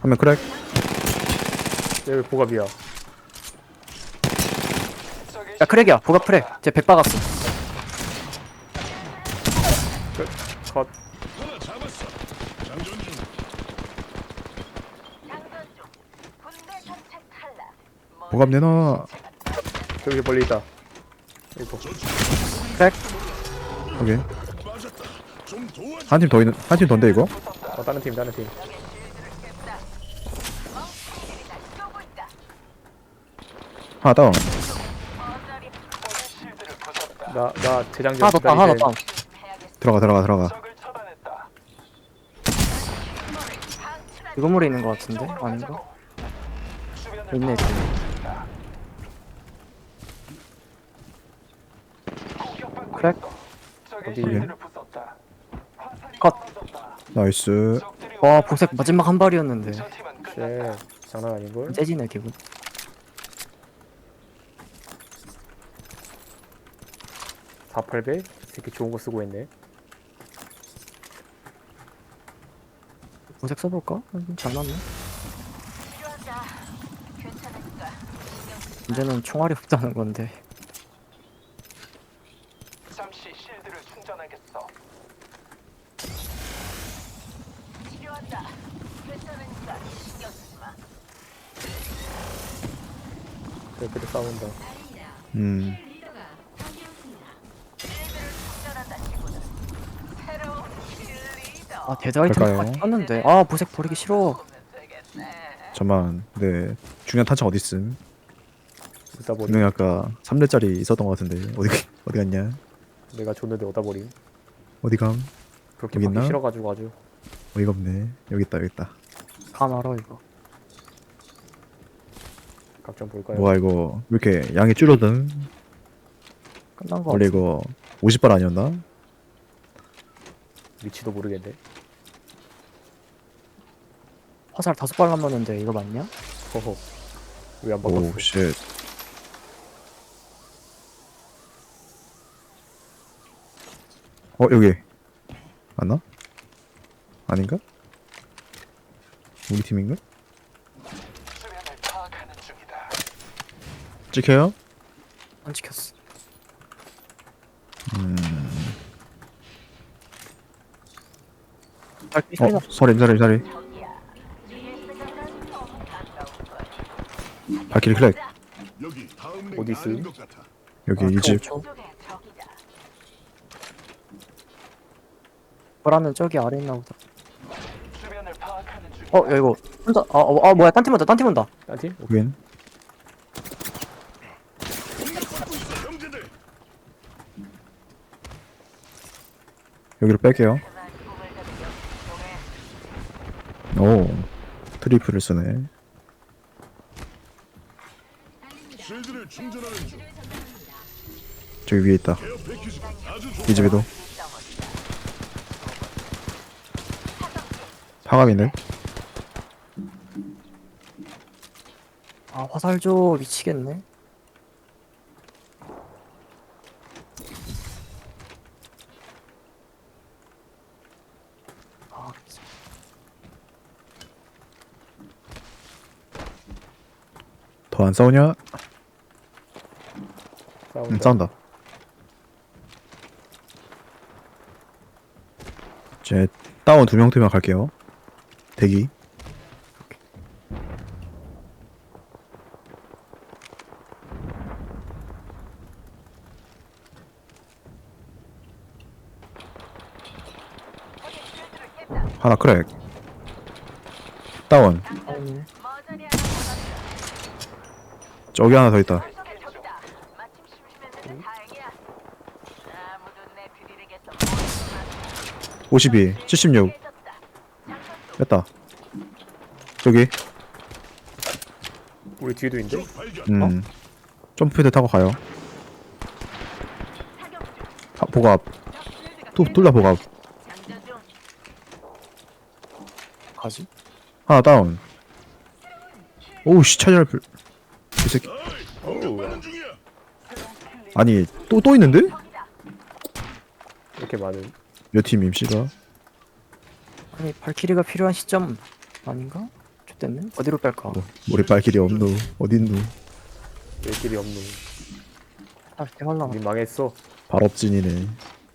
한 명 크랙. 여기 보갑이야. 야 크랙이야 보가 크랙 쟤100 박았어. 컷. 보갑 내놔. 저기 멀리 있다. 여기 보. 크랙. 오케이. 한 팀 더 있는, 한 팀 더인데 이거? 다른 팀, 다른 팀. 하나 다운. 나 재장전 하나 더 다운 하나 더 다운. 들어가. 이 건물에 있는 거 같은데? 아닌가? 있네 지금. 크랙. 어디? 오케이. 컷. 나이스. 와 보색 마지막 한 발이었는데 쉣. 장난 아닌걸? 째지네 기분. 다 800? 새끼 좋은 거 쓰고 있네. 보색 써볼까? 장난네. 문제는 총알이 없다는 건데. 잠시 실드를 충전하겠어. 저기도 싸운다. 음. 아 데드 아이템 갈까요? 떴는데 아 보색 버리기 싫어. 잠만. 네. 중요한 탄창 어디 있음? 쓰다 보니 분명히 아까 3대짜리 있었던 것 같은데 어디 갔냐? 내가 줬는데 얻다 버림. 어디 감? 그렇게 여기 받기 있나? 싫어가지고 아주. 어이가 없네. 여기 있다. 감 알아 이거. 각 좀 볼까요? 뭐야 이거 왜 이렇게 양이 줄어든? 끝난 거 원래 같아. 이거 50발 아니었나? 위치도 모르겠네. 화살 5발 남았는데 이거 맞냐? 허허. 왜 안 바꿨어? 오 쉣. 여기 맞나? 아닌가? 우리 팀인가? 수면을 파악하는 중이다. 찍혀요? 안 지켰어. 발길 소리 나. 서리. 발키리 클렉. 어디 있음? 여기 이 집. 보라는 저기 아래 있나 보다. 수면을 파악하는 중이다. 야 이거 혼자 뭐야 딴 팀 온다. 딴 팀? 여긴. 여기로 뺄게요. 오, 트리플을 쓰네. 저기 위에 있다. 이 집에도. 파갑이네. 아 화살 줘 미치겠네. 아 더 안 싸우냐? 싸운다. 제 다운 2명 팀만 갈게요. 대기. 하나 크랙. 다운. 아니 저기 하나 더 있다. 52, 76. 뺐다. 여기. 우리 뒤에도 있는데? 점프패드 타고 가요. 보갑. 둘 다 보갑. 가지? 아, 하나 다운. 오우씨 차지할 이 새끼. 어우, 아니 또 있는데? 이렇게 많은. 몇 팀임 씨가? 아니 발키리가 필요한 시점 아닌가? 좋댔네. 어디로 뺄까? 우리 발길이 없누. 어딨누. 왜 길이 없노. 아, 해갈라. 우리 망했어. 발업진이네.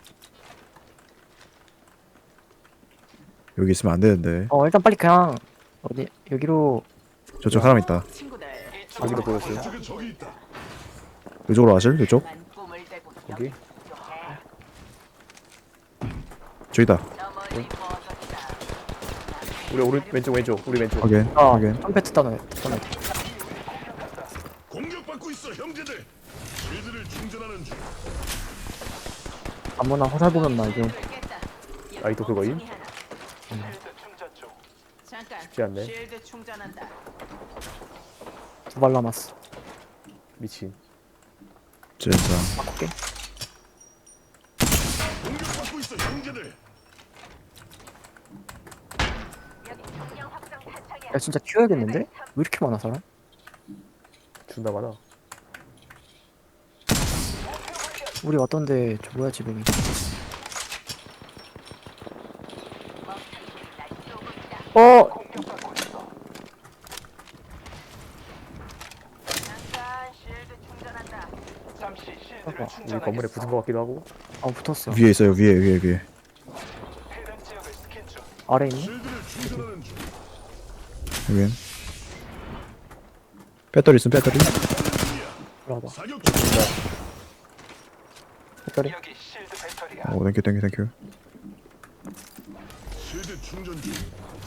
여기 있으면 안 되는데. 일단 빨리 그냥 어디 여기로 저쪽 사람 있다. 여기도 보였어요. 이쪽으로 와실? 이쪽? 여기. 저기다. 우리 오른 왼쪽 우리 왼쪽. 확인. 확인. 컴패트 따놔. 공격받고 있어 형제들. 실드를 충전하는 중. 아무나 화살 보면 말죠. 아이도 그거임? 실드 충전 중. 잠깐. 쉽지 않네. 쉴드 충전한다. 2발 남았어. 미친. 진짜. 바꿀게. 공격받고 있어 형제들. 야 진짜 튀어야겠는데? 왜 이렇게 많아 사람? 존나 많아. 우리 왔던데 저 뭐야 지붕이. 공격받고 있어. 잠깐 쉴드 충전한다. 잠시 실드를 봐봐. 우리 충전하겠어. 건물에 붙은 것 같기도 하고. 붙었어. 위에 있어요. 위에. 해당 지역을 스캔 중. 아래 있네? 실드를 충전하는 중. 확인. 배터리 있으면 배터리. 들어와봐. 사격 중. 배터리. 여기 실드 배터리야. 오, 땡큐. 실드 충전 중.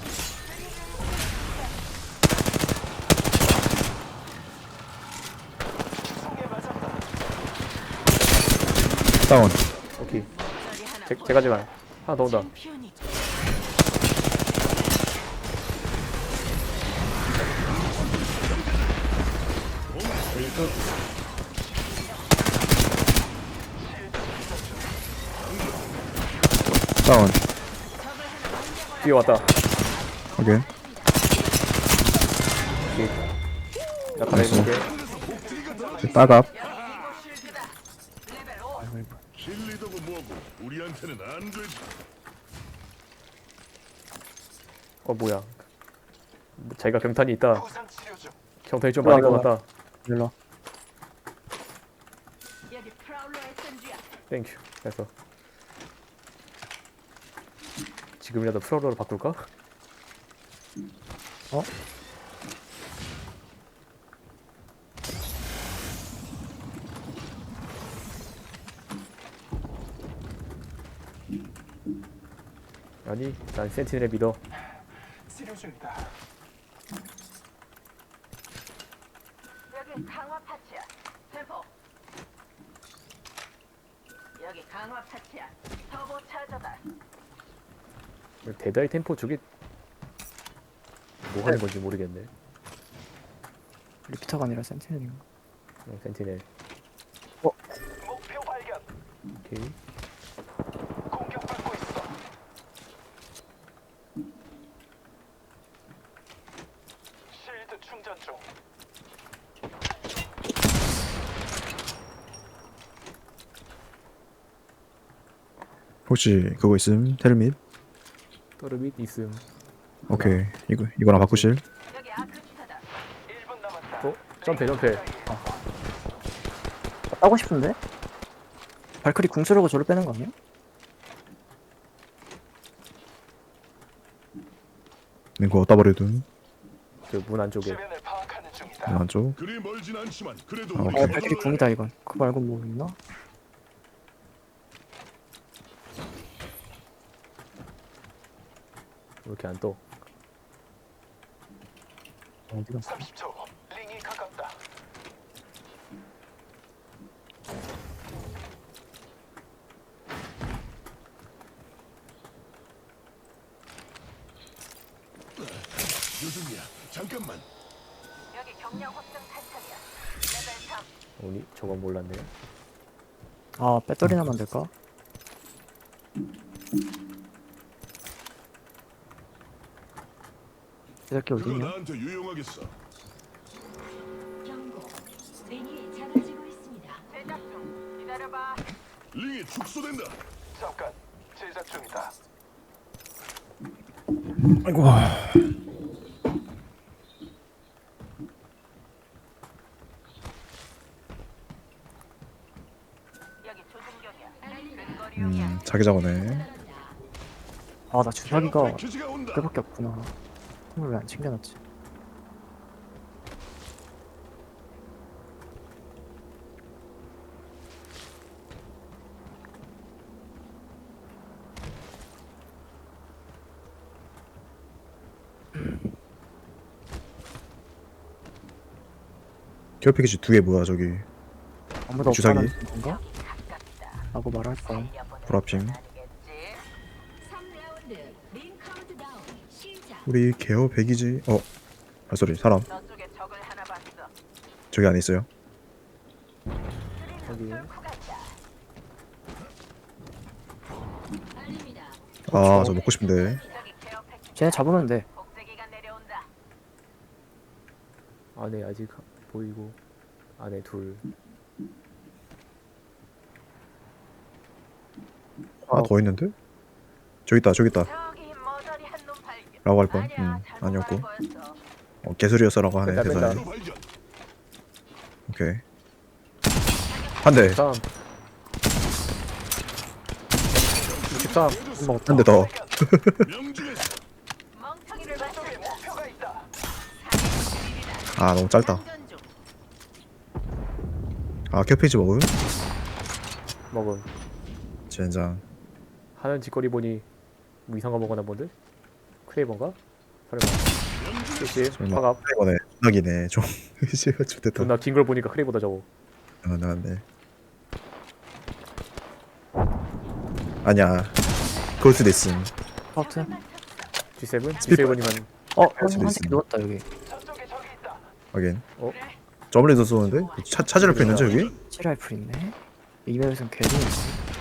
총에 맞았다. 다운. 오케이. 제가 하나 더 온다. 챔피언이 다운. 뒤에 왔다. 확인. 오케이. 나 갈아입을게. 따갑. 킬리더고 뭐고 우리한테는 안 되지. 뭐야. 자기가 경탄이 있다. 부상 치료 중. 경탄이 좀 많은 것 올라가. 같다. 일로 와. 여기 프라울러 SMG야. 땡큐. 그래서 지금이라도 프로로 바꿀까? 어? 아니, 난 센티넬을 믿어. 치료 중이다. 여기 강화 파츠야. 템포. 여기 강화 파츠야. 터보 차저다. 대다이 템포 저게 뭐 하는 건지 모르겠네. 리피터가 아니라 센티넬인가? 센티넬. 목표 발견. 오케이. 공격받고 있어. 실드 충전 중. 혹시 그거 있음? 텔밋? 떠르밋 있음. 오케이. 이거랑 바꾸실? 여기 아크 주사다. 1분 남았다. 점프. 따고 싶은데? 발크리 궁 쓰려고 저를 빼는 거 아니야? 그거 어디다 버려둔? 그 문 안쪽에. 주변을 파악하는 중이다. 안쪽. 그리 멀진 않지만 그래도 아, 우리 오케이. 발크리 궁이다 이건. 그거 말고 뭐 있나? 왜 이렇게 안 떠? 어디가? 30초. 링이 가깝다. 요즘이야. 잠깐만. 여기 경량 확장 탄창이야. 레벨 3. 오니 저건 몰랐네. 배터리 나면 될까? 이렇게 그거 어디냐? 나한테 유용하겠어. 경고. 링이 작아지고 있습니다. 제작 중. 기다려봐. 링이 축소된다. 잠깐. 제작 중이다. 아이고. 자기자거네. 아 나 주사기가 패키지가 온다. 꽤밖에 없구나. 선물 왜 안 챙겨놨지? 기어 패키지 2개 뭐야 저기. 아무도 주사기? 없다는 건가? 라고 말할 뻔. 브라핑. 3라운드 링 카운트다운 시작. 우리 개어 100이지. 발소리 사람. 저쪽에 적을 하나 봤어. 저기 안에 있어요. 여기 알립니다. 아 저 먹고 싶은데. 저기 케어 패키지 쟤네 잡으면 돼. 복제기가 내려온다. 안에 아직 보이고 안에 둘. 하나 더 있는데? 저기 있다 저기 있다 저기 머저리 한놈 발견. 라고 할 뻔. 아니야, 잘못 아니었고. 알고였어. 개소리였어라고 하네 뺀다, 뺀다. 대사에. 또 발견. 오케이. 한 대. 13. 63. 한 대 더. 명중에서 멍청이를 봤어. 목표가 있다. 아 너무 짧다. 장전 중. 아 기어 패키지 먹음? 먹음. 젠장. 하는 짓거리 보니 뭐 이상한 거 먹었나 본데? 크레이버인가? 설마. 그치? 설마. 화갑. 이거네. 낙이네 좀. 의지가 좀 됐다. 존나 긴 걸 보니까 크레이버다 저거. 나왔네. 아니야. 그럴 수도 있음. 하여튼 G7? G7이면 한 수도 새끼 있음. 누웠다 여기. 저쪽에 적이 있다. 하긴. 어? 저번에도 쏘는데? 찾으러 펴 있는지 여기? 치라이플 있네. 이 맵에선 개도 있네.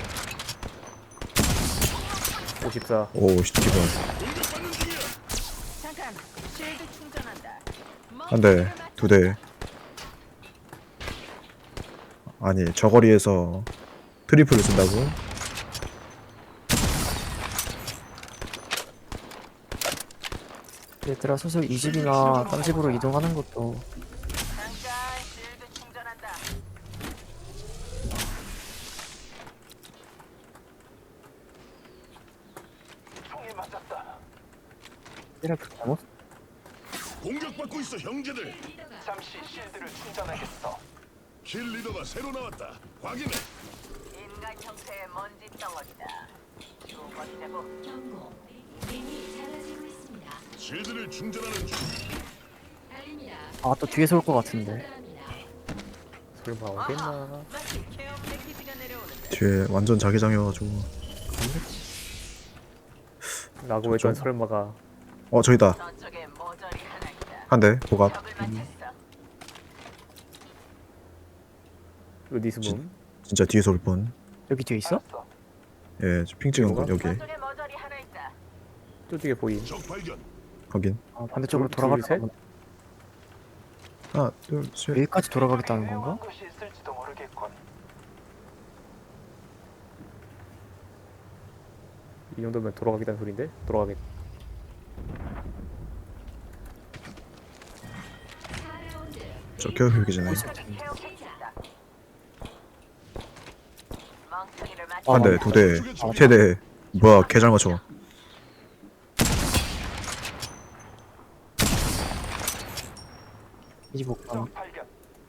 54. 오 시티번. 공격받는 중이야. 잠깐. 쉴드 충전한다. 한 대. 2대. 아니 저거리에서 트리플을 쓴다고? 얘들아 슬슬 이 집이나 딴 집으로 이동하는 것도 잠깐. 쉴드 충전한다. 총에 맞았다. 치라이플 잘못. 공격받고 있어 형제들. 잠시 실드를 충전하겠어. 킬 리더가 새로 나왔다. 확인해. 인간 형태의 먼지 덩어리다. 두 번째고. 경고. 링이 작아지고 있습니다. 실드를 충전하는 중. 알립니다. 아 또 뒤에서 올 것 같은데. 설마 오겠나? 마치 케어 패키지가 내려오는데. 뒤에 완전 자기장이어가지고. 라고 했던 설마가 저기다. 저쪽에 모조리 하나 있다. 한 대. 보갑. 적을 맞췄어. 어디스문? 진짜 뒤에서 올 뻔. 여기 뒤에 있어? 알았어. 예, 핑 찍은 거 여기. 저쪽에 모조리 하나 있다. 저쪽에 보임. 적 발견. 확인. 아 반대쪽으로 둘, 돌아가겠다. 셋? 하나, 둘, 셋. 여기까지 돌아가겠다는 건가? 유명한 곳이 있을지도 모르겠군. 이 정도면 돌아가겠다는 소린데? 돌아가겠. 4라운드 저 기어 패키지네. 저기 케어 패키지다. 멍청이를 맞. 아, 한 대, 2대, 3대. 뭐야, 개 잘 맞춰. 이 집 옥상. 적 발견.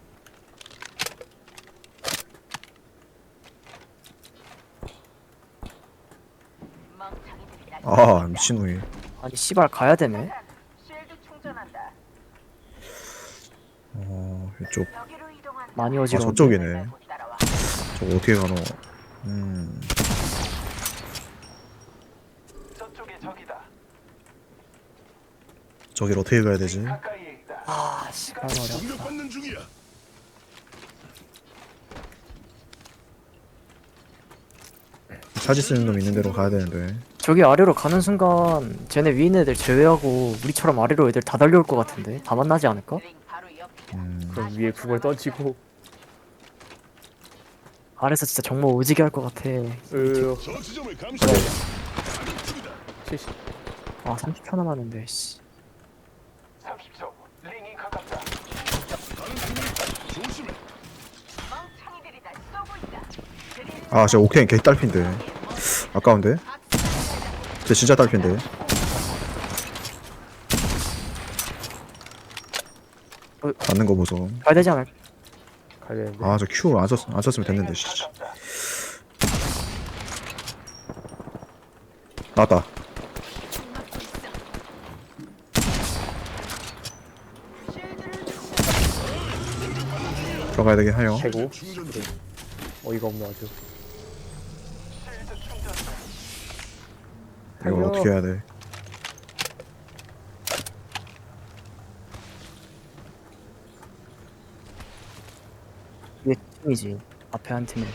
멍청이들이다. 아, 미친놈이. 아니 씨발 가야 되네. 쉴드 충전한다. 이쪽. 여기로 이동한다. 많이 아, 어지러워. 저쪽이네. 못 따라와. 저거 어떻게 가노? 저쪽에 적이다. 저길 어떻게 가야 되지? 가까이에 있다. 아 씨발 말이야. 공격받는 중이야. 차지 쓰는 놈 있는 대로 가야 되는데. 저기 아래로 가는 순간 쟤네 위에 있는 애들 제외하고 우리처럼 아래로 애들 다 달려올 것 같은데 다 만나지 않을까? 링 바로 옆이다. 그럼 위에 궁을 던지고 아래서 진짜 정말 오지게 할 것 같아. 저 지점을 감시해. 사격 중이다. 70. 아 30초 남았는데 씨. 30초. 링이 가깝다. 다른 팀이 있다. 조심해. 멍청이들이다. 쏘고 있다. 아, 진짜 옥테인 개 딸핀데. 아까운데? 쟤 진짜 딸핀데. 맞는 거 보소. 가야 되지 않을까? 가야 되는데. 아 저 Q 안 썼으면 됐는데. 씨. 나왔다. 들어가야 되긴 해요. 최고. 어이가 없네 아주. 이거 어떻게 해야 돼? 이게 팀이지. 앞에 한 팀이.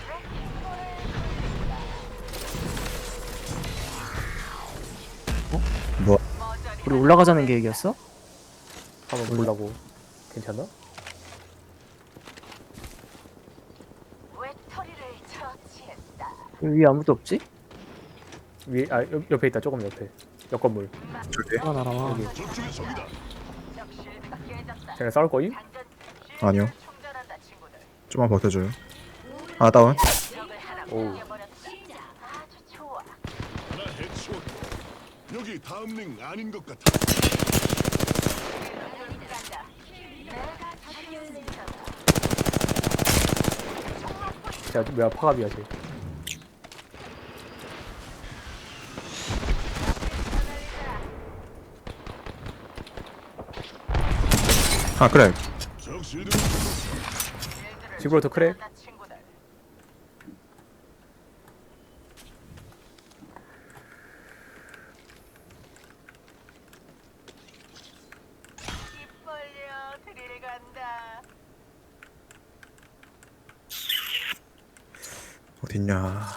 뭐? 우리 올라가자는 계획이었어? 한번 보려고. 괜찮나? 외톨이를 처치했다. 여기 위에 아무도 없지? 위에 옆에 있다. 조금 옆에. 옆 건물. 저기? 하나 날아와. 여기. 저쪽에 적이다. 적 실드가 깨졌다. 쟤네 싸울 거임? 당전 아니요. 충전한다 친구들. 좀만 버텨줘요. 하나 다운. 적을 하나 오우. 죽여버렸다. 아주 좋아. 하나 해치웠고. 여기 다음 링 아닌 것 같아. 간다. 내가 살려준다. 쟤 뭐야 파갑이야 쟤. 아 그래. 적 실드 지브롤터 크랙. 나 친구들. 입 벌려 드릴 간다. 어딨냐.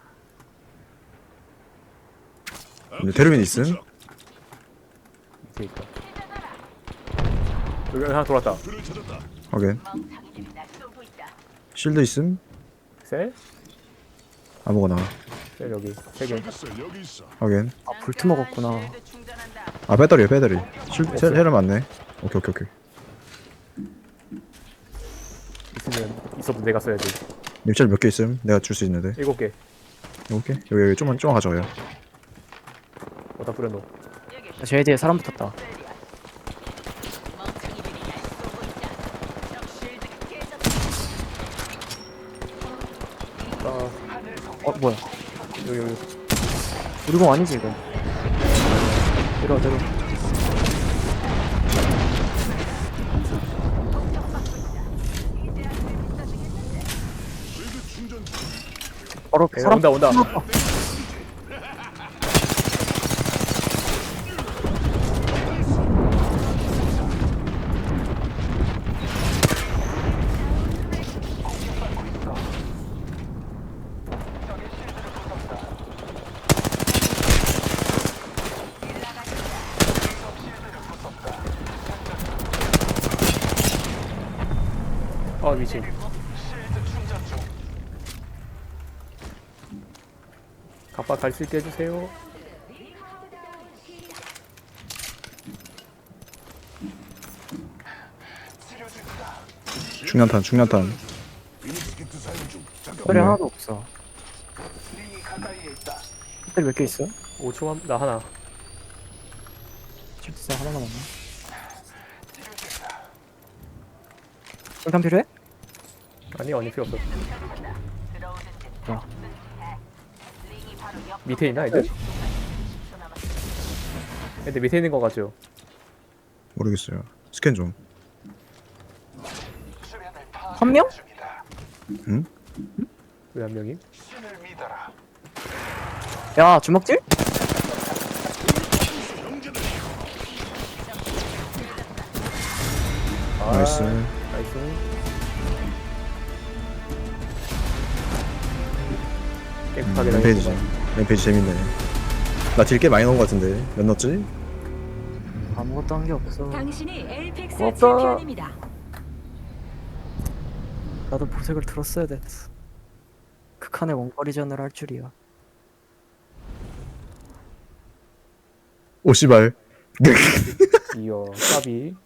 근데 테르민 있음? 밑에 있다. 여기 하나 돌았다. 그를 찾았다. 확인. 멍청이들이 날 쏘고 있다. 실드 있음? 셀? 아무거나. 셀 여기. 세 개. 있어 여기 있어. 확인. 아 볼트 먹었구나. 실드 충전한다. 아 배터리야 배터리. 실드 셀 맞네. 오케이 오케이 오케이. 있으면 있어도 내가 써야지. 님짤 몇 개 있음? 내가 줄 수 있는데. 7개. 7개? 여기 좀만 가져와요. 어디다 뿌려놓어. 제 뒤에 사람 붙었다. 멍청이들이 날 쏘고 있다. 적 실드가 깨졌다. 아, 뭐야? 여기. 우리 공 아니지 이거? 내려 내려. 실드 충전 중. 바로 야, 사람 온다. 아 미친. 갑바 갈 수 있게 해주세요. 중량탄 중량탄. 비니스키트 사용 중. 잠깐. 소리 하나도 없어. 링이 가까이에 있다. 배터리 몇 개 있어? 5초 나 하나. 실드 하나 남았네. 일단 필요해? 아니 필요 없어. 야. 링이 바로 옆 밑에 있나 애들? 애들 밑에 있는 거 같죠? 모르겠어요. 스캔 좀. 수면을 한 명? 중이다. 왜 한 명이? 신을 믿어라. 야 주먹질? 나이스. 나이스. 깨끗하게 램페이지. 다니고. 램페이지 재밌네. 나 딜 꽤 많이 넣은 거 같은데. 몇 넣었지? 아무것도 한 게 없어. 당신이 엘픽스 고맙다. 챔피언입니다. 나도 보색을 들었어야 됐어. 극한의 원거리전을 할 줄이야. 오 씨발. 이어 까비.